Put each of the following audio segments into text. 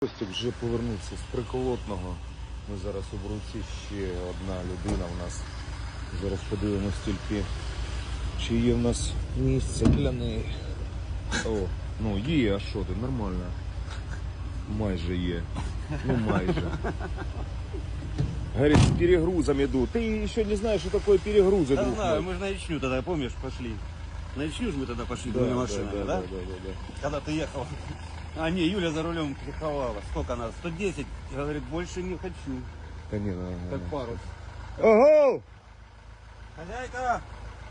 Костик вже повернувся з Приколотного. Ми зараз у Бруці, ще одна людина у нас. Зараз подивимось тільки, чи є в нас місце для неї. О, ну є, а що ти, нормально. Майже є. Ну майже. Говорит, с перегрузом иду. Ты еще не знаешь, что такое перегрузы. Да знаю, мы же на Ичню тогда, помнишь, пошли. На Ичню же мы тогда пошли, были машинами, да? Да. Когда ты ехал. А, не, Юля за рулем кликовала. Сколько она? 110. Говорит, больше не хочу. Да не, Как парус. Ого! Хозяйка!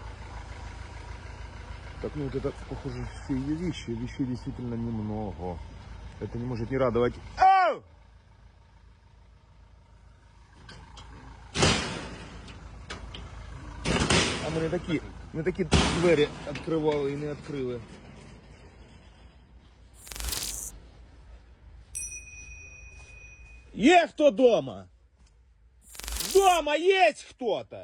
Так, ну вот это, похоже, все ее вещи. Вещей действительно немного. Это не может не радовать. Ау! А ми не такі двері відкривали і не відкрили. Є хто дома? Дома есть кто-то?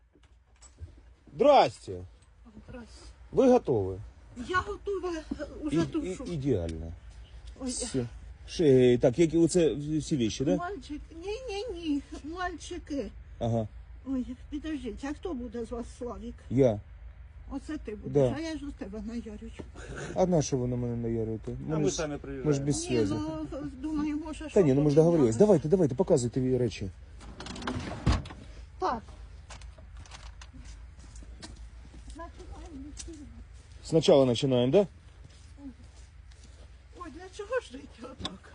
Здрасте. Ви готові? Я готова уже душу. Ідеально. Ой, Все. Так, які оце всі вещи, да? мальчик, ні, мальчики. Ага. Ой, підождіть, а хто буде з вас, Славік? Я. Оце ти будеш, Да. а я ж у тебе наярю. А на що ви на мене наярюєте? А мы сами приезжаем. Ми ж без Ні, зв'язку. ну, думаю, може, Та ні, ну ми ж договорились. поміняли. Давайте, показуйте речі. Так. Починаємо. Спочатку починаємо, да? Ой, для чого ж жити отак?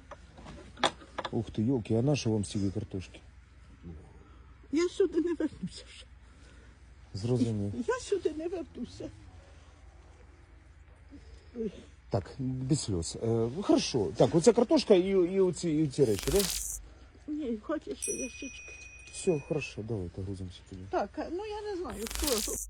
Ух ти, йолки, а на що вам стільки картошки? Я сюди не вернуся вже. Зрозумів. Я сюди не вернуся. Ой. Так, без сльоз. Хорошо. Так, оце картошка і оці речі, да? Ні, хочеш ще ящички. Все, хорошо, давайте грузимося тоді. Так, ну я не знаю, хто.